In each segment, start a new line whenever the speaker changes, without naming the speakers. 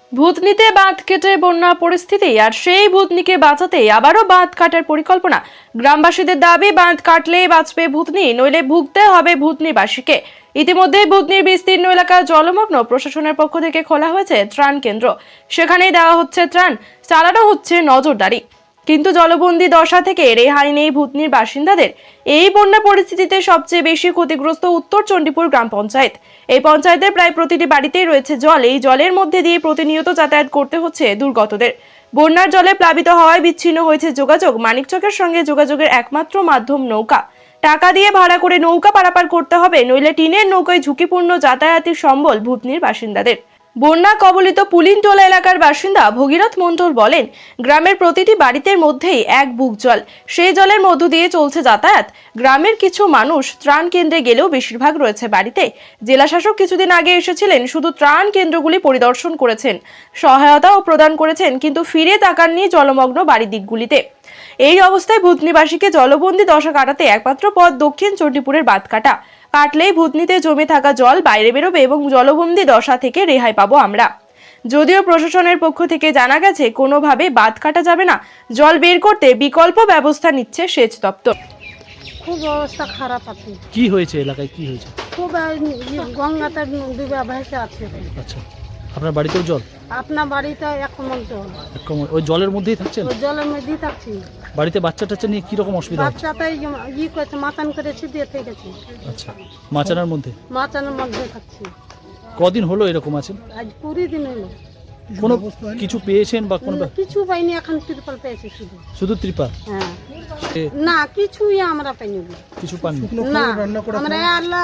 ভূতনিতে বাঁধ কেটে বন্যা পরিস্থিতি, আর সেই ভূতনিকে বাঁচাতে আবারও বাঁধ কাটার পরিকল্পনা। গ্রামবাসীদের দাবি, বাঁধ কাটলেই বাঁচবে ভূতনি, নইলে ভুগতে হবে ভূতনিবাসীকে। ইতিমধ্যেই ভূতনির বিস্তীর্ণ এলাকা জলমগ্ন। প্রশাসনের পক্ষ থেকে খোলা হয়েছে ত্রাণ কেন্দ্র, সেখানেই দেওয়া হচ্ছে ত্রাণ, চালানো হচ্ছে নজরদারি। কিন্তু জলবন্দী দশা থেকে রেহাই নেই ভূতনির বাসিন্দাদের। এই বন্যা পরিস্থিতিতে সবচেয়ে বেশি ক্ষতিগ্রস্ত উত্তর চণ্ডীপুর গ্রাম পঞ্চায়েত। এই পঞ্চায়েতের প্রায় প্রতিটি বাড়িতেই রয়েছে জল। এই জলের মধ্যে দিয়ে প্রতিনিয়ত যাতায়াত করতে হচ্ছে দুর্গতদের। বন্যার জলে প্লাবিত হওয়ায় বিচ্ছিন্ন হয়েছে যোগাযোগ। মানিকচকের সঙ্গে যোগাযোগের একমাত্র মাধ্যম নৌকা। টাকা দিয়ে ভাড়া করে নৌকা পারাপার করতে হবে, নইলে টিনের নৌকায় ঝুঁকিপূর্ণ যাতায়াতের সম্বল ভূতনির বাসিন্দাদের। বন্যা কবলিত পুলিনটোলা এলাকার বাসিন্দা ভগীরথ মণ্ডল বলেন, গ্রামের প্রতিটি বাড়িতে মধ্যেই এক বুক জল। সেই জলের মধ্য দিয়ে চলছে যাতায়াত। গ্রামের কিছু মানুষ ত্রাণ কেন্দ্রে গেলেও বেশিরভাগ রয়েছে বাড়িতে। জেলা শাসক কিছুদিন আগে এসেছিলেন, শুধু ত্রাণ কেন্দ্রগুলি পরিদর্শন করেছেন, সহায়তাও প্রদান করেছেন, কিন্তু ফিরে তাকাননি জলমগ্ন বাড়ির দিকগুলিতে। এই অবস্থায় ভূতনিবাসীকে জলবন্দী দশা কাটাতে একমাত্র পথ দক্ষিণ চণ্ডীপুরের বাঁধ কাটা। কাটলেই ভূতনিতে জমে থাকা জল বাইরে বেরোবে এবং জলবন্দী দশা থেকে রেহাই পাবো আমরা। যদিও প্রশাসনের পক্ষ থেকে জানা গেছে কোনোভাবে বাঁধ কাটা যাবে না, জল বের করতে বিকল্প ব্যবস্থা নিচ্ছে সেচ দপ্তর।
খুব অবস্থা খারাপ আছে।
কি হয়েছে এলাকায়, কি হয়েছে?
খুব গঙ্গাতে ডুবে ভেসে আছে।
আচ্ছা, আপনার বাড়িতেও জল?
আপনার বাড়িতে এক কমল জল।
ওই জলের মধ্যেই থাকছেন?
ওই জলের মধ্যেই থাকছি।
বাড়িতে বাচ্চা টাচ্চা নিয়ে কিরকম অসুবিধা হচ্ছে?
বাচ্চাটাই করেছে, মাচান করেছি দিয়ে থেকেছি।
আচ্ছা, মাচানার মধ্যে?
মাচানের মধ্যে থাকছি।
কদিন হলো এরকম আছেন?
আজ 20 দিন হলো।
কোনো কিছু পেয়েছেন বা কোনো?
কিছু পাইনি, এখন ত্রিপল পেয়েছি শুধু।
শুধু ত্রিপাল?
হ্যাঁ। না, কিছুই আমরা পাইনি।
কিছু পাননি?
না, আমরা আল্লাহ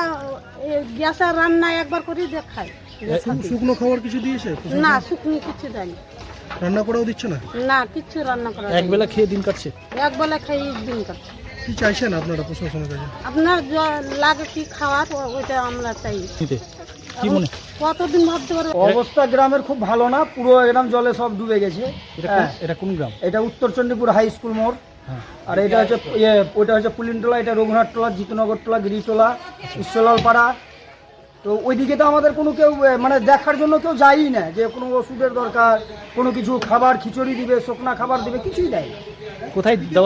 গ্যাসের রান্না একবার করে দেখাই।
শুকনো খাবার কিছু দিয়েছে?
না, শুকনো কিছু দেয়নি।
রান্না করাও দিচ্ছে না?
না, কিছু রান্না করা
এক বেলা খেয়ে দিন কাটছে?
এক বেলা খাই দিন কাটছে।
কি চাইছেন আপনারা প্রশাসনের কাছে?
আপনার লাগে কি খাওয়ার, ওইটা আমরা চাই।
কি মনে
কতদিন ভাবতে পারবো?
অবস্থা গ্রামের খুব ভালো না, পুরো গ্রাম জলে সব ডুবে গেছে।
এটা কোন গ্রাম?
এটা উত্তর চণ্ডীপুর হাই স্কুল মোড়। আর এটা হচ্ছে ওইটা হচ্ছে পুলিনটোলা, এটা রঘুনাথটোলা, জিতনগরটোলা, গিরিটোলা, ঈশ্বরলাল পাড়া। তো ওইদিকে তো আমাদের কোনো কেউ মানে দেখার জন্য কেউ যায়ই না, যে কোনো ওষুধের দরকার, কোনো কিছু খাবার, খিচুড়ি দিবে, শুকনা খাবার দিবে, কিছুই দেয়।
কোথায় দেওয়া?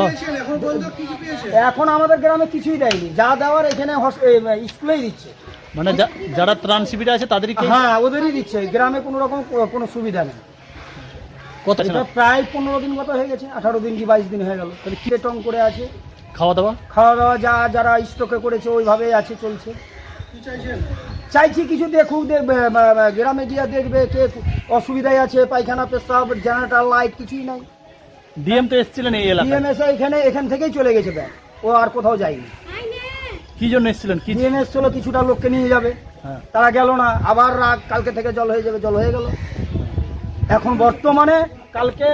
এখন আমাদের গ্রামে কিছুই দেয়নি, যা দেওয়ার এখানে স্কুলেই দিচ্ছে।
মানে যারা ত্রাণ শিবিরে আছে তাদেরই?
হ্যাঁ, ওদেরই দিচ্ছে, গ্রামে কোনো রকম কোনো সুবিধা নেই।
কত?
প্রায় 15 দিন মতো হয়ে গেছে, 18 দিন কি 22 দিন হয়ে গেল। তাহলে কিরে টং করে আছে।
খাওয়া দাওয়া?
খাওয়া দাওয়া যারা স্টকে করেছে ওইভাবেই আছে, চলছে। চাইছি কিছু দেখুক, দেখবে গ্রামে গিয়ে দেখবে কে অসুবিধায় আছে, পায়খানা, পেশাব, জেনারেটর, লাইট কিছুই নাই।
ডিএম তো এসেছিলেন এই এলাকায়?
ডিএম এসে এখান থেকেই চলে গেছে ব্যাগ, ও আর কোথাও যায়নি।
কি জন্য এসেছিলেন? কি
ডিএম এসেছিল কিছুটা লোককে নিয়ে যাবে, তারা গেল না, আবার কালকে থেকে জল হয়ে যাবে, জল হয়ে গেল। এখন বর্তমানে কালকে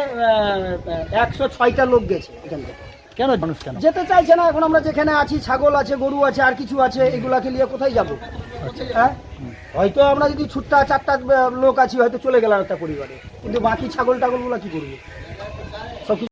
106টা লোক গেছে এখান থেকে।
কেন মানুষ কেন
যেতে চাইছে না? এখন আমরা যেখানে আছি, ছাগল আছে, গরু আছে, আর কিছু আছে, এগুলাকে নিয়ে কোথায় যাবো? হ্যাঁ, হয়তো আমরা যদি ছুটটা 4টা লোক আছি, হয়তো চলে গেলাম একটা পরিবারে, কিন্তু বাকি ছাগল টাগলগুলো কি করবো?